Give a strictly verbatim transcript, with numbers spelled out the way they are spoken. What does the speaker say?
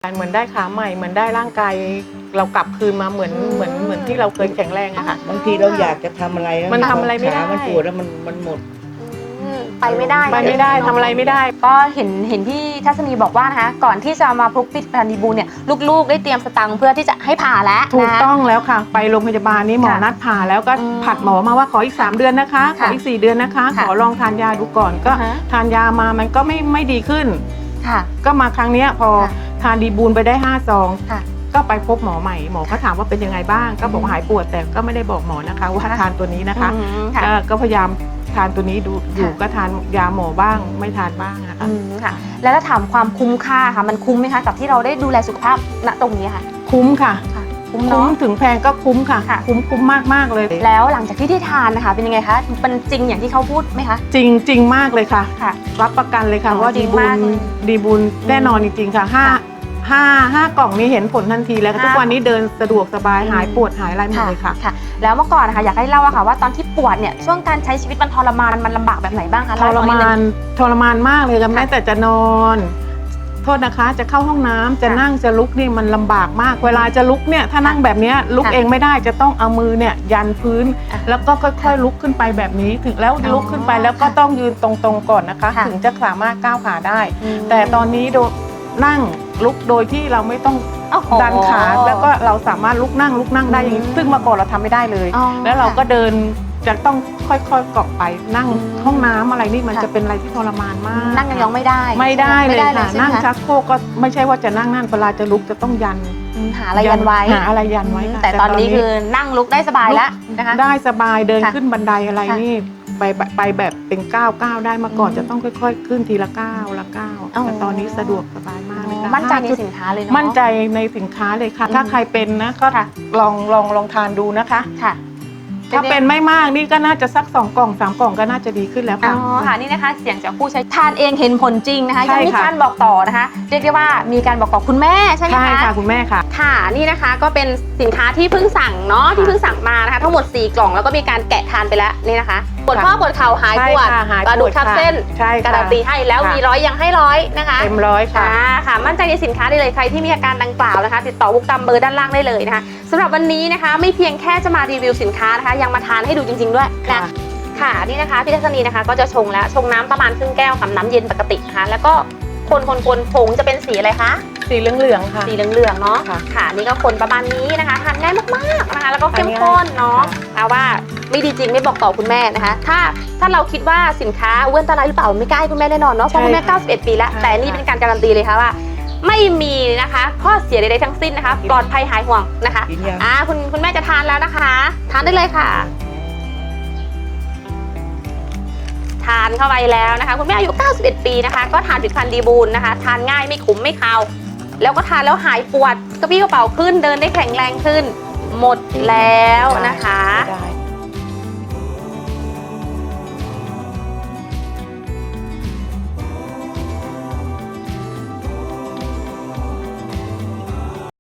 เหมือนได้ขาใหม่เหมือนได้ร่างกายเรากลับคืนมาเหมือนเหมือนเหมือนที่เราเคยแข็งแรงอะค่ะบางทีเราอยากจะทำอะไรมันทำอะไรไม่ได้มันปวดแล้วมันมันหมดไปไม่ได้ไปไม่ได้ทำอะไรไม่ได้ก็เห็นเห็นพี่ทัศนีบอกว่านะคะก่อนที่จะมาพบผลิตภัณฑ์ดีบูลเนี่ยลูกๆได้เตรียมสตังค์เพื่อที่จะให้ผ่าแล้วถูกต้องแล้วค่ะไปโรงพยาบาลนี้หมอนัดผ่าแล้วก็ผัดหมอมาว่าขออีกสามเดือนนะคะขออีกสี่เดือนนะคะขอลองทานยาดูก่อนก็ทานยามามันก็ไม่ไม่ดีขึ้นก็มาครั้งนี้พอทานดีบูลไปได้ห้าซองก็ไปพบหมอใหม่หมอก็ถามว่าเป็นยังไงบ้างก็บอกหายปวดแต่ก็ไม่ได้บอกหมอนะคะว่าทานตัวนี้นะคะก็พยายามทานตัวนี้ดูอยู่ก็ทานยาหมอบ้างไม่ทานบ้างนะคะค่ะแล้วถ้าถามความคุ้มค่าค่ะมันคุ้มไหมคะกับที่เราได้ดูแลสุขภาพณตรงนี้ค่ะคุ้มค่ะคุ้มคุ้มถึงแพงก็คุ้มค่ะคุ้มคุ้มมากมากเลยแล้วหลังจากที่ได้ทานนะคะเป็นยังไงคะมันจริงอย่างที่เขาพูดไหมคะจริงจริงมากเลยค่ะรับประกันเลยค่ะว่าดีบุญดีบุญแน่นอนจริงๆค่ะห้าห้าห้ากล่องนี้เห็นผลทันทีแล้วทุกวันนี้เดินสะดวกสบายหายปวดหายอะไรหมดเลยค่ะค่ะแล้วเมื่อก่อนนะคะอยากให้เล่าอะค่ะว่าตอนที่ปวดเนี่ยช่วงการใช้ชีวิตมันทรมานมันลำบากแบบไหนบ้างคะทรมานทรมานมากเลยค่ะแม้แต่จะนอนโทษนะคะจะเข้าห้องน้ำจะนั่งจะลุกนี่มันลำบากมากเวลาจะลุกเนี่ยถ้านั่งแบบนี้ลุกเองไม่ได้จะต้องเอามือเนี่ยยันพื้นแล้วก็ค่อยๆลุกขึ้นไปแบบนี้ถึงแล้วลุกขึ้นไปแล้วก็ต้องยืนตรงๆก่อนนะคะถึงจะสามารถก้าวขาได้แต่ตอนนี้นั่งลุกโดยที่เราไม่ต้องดันขาแล้วก็เราสามารถลุกนั่งลุกนั่งได้อย่างนี้ซึ่งเมื่อก่อนเราทำไม่ได้เลยแล้วเราก็เดินจะต้องค่อยๆเกาะไปนั่งห้องน้ำอะไรนี่มันจะเป็นอะไรที่ทรมานมากนั่งยองไม่ได้ไม่ได้เลยค่ะนั่งชักโครกก็ไม่ใช่ว่าจะนั่งนั่นเวลาจะลุกจะต้องยันหาอะไรยันไว้หาอะไรยันไว้แต่ตอนนี้คือนั่งลุกได้สบายแล้วนะคะได้สบายเดินขึ้นบันไดอะไรนี่ไปไปแบบเป็นก้าวก้าวได้มาก่อนจะต้องค่อยๆขึ้นทีละก้าวละก้าวแต่ตอนนี้สะดวกสบายมากเลยค่ะมั่นใจในสินค้าเลยเนาะมั่นใจในสินค้าเลยค่ะถ้าใครเป็นนะก็ลองลองลองทานดูนะคะค่ะถ้าเป็นไม่มากนี่ก็น่าจะสักสองกล่องสามกล่องก็น่าจะดีขึ้นแล้วค่ะอ๋อค่ะนี่นะคะเสียงจากผู้ใช้ทานเองเห็นผลจริงนะคะยังมีการบอกต่อนะคะเรียกได้ว่ามีการบอกต่อคุณแม่ใช่ไหมคะใช่ค่ะคุณแม่ค่ะค่ะนี่นะคะก็เป็นสินค้าที่เพิ่งสั่งเนาะที่เพิ่งสั่งมานะคะทั้งหมดสี่กล่องแล้วก็มีการแกะทานไปแล้วนี่นะคะปวดข้อปวดเข่าหายปวดกระดูกทับเส้นการันตีให้แล้วมีร้อยยังให้ร้อยนะคะเต็มร้อยค่ะค่ะมั่นใจในสินค้าได้เลยใครที่มีอาการดังกล่าวนะคะติดต่อบุ๊กตามเบอร์ด้านล่างได้เลยนะคะสำหรับวันนี้นะคะไม่เพียงแค่จะมารีวิวสินค้านะคะยังมาทานให้ดูจริงๆด้วยนะค่ะนี่นะคะพี่ทัศนีนะคะก็จะชงแล้วชงน้ำประมาณครึ่งแก้วกับน้ำเย็นปกตินะคะแล้วก็คนคนคนผงจะเป็นสีอะไรคะสีเหลืองๆค่ะสีเหลืองๆเนาะค่ะนี่ก็คนประมาณนี้นะคะทานง่ายมากๆนะคะแล้วก็เข้มข้นเนาะเอาว่าไม่ดีจริงไม่บอกต่อคุณแม่นะคะถ้าถ้าเราคิดว่าสินค้าอ้วนตรายหรือเปล่าไม่กล้าให้คุณแม่แน่นอนเนาะเพราะคุณแม่เก้าสิบเอ็ดปีแล้วแต่นี่เป็นการการันตีเลยค่ะว่าไม่มีนะคะข้อเสียใดๆทั้งสิ้นนะคะปลอดภัยหายห่วงนะคะอ่าคุณคุณแม่จะทานแล้วนะคะทานได้เลยค่ะทานเข้าไปแล้วนะคะคุณแม่อายุเก้าสิบเอ็ดปีนะคะก็ทานผลิตภัณฑ์ดีบูลนะคะทานง่ายไม่ขมไม่คาวแล้วก็ทานแล้วหายปวดกระปี้กระเป๋าขึ้นเดินได้แข็งแรงขึ้นหมดแล้วนะคะ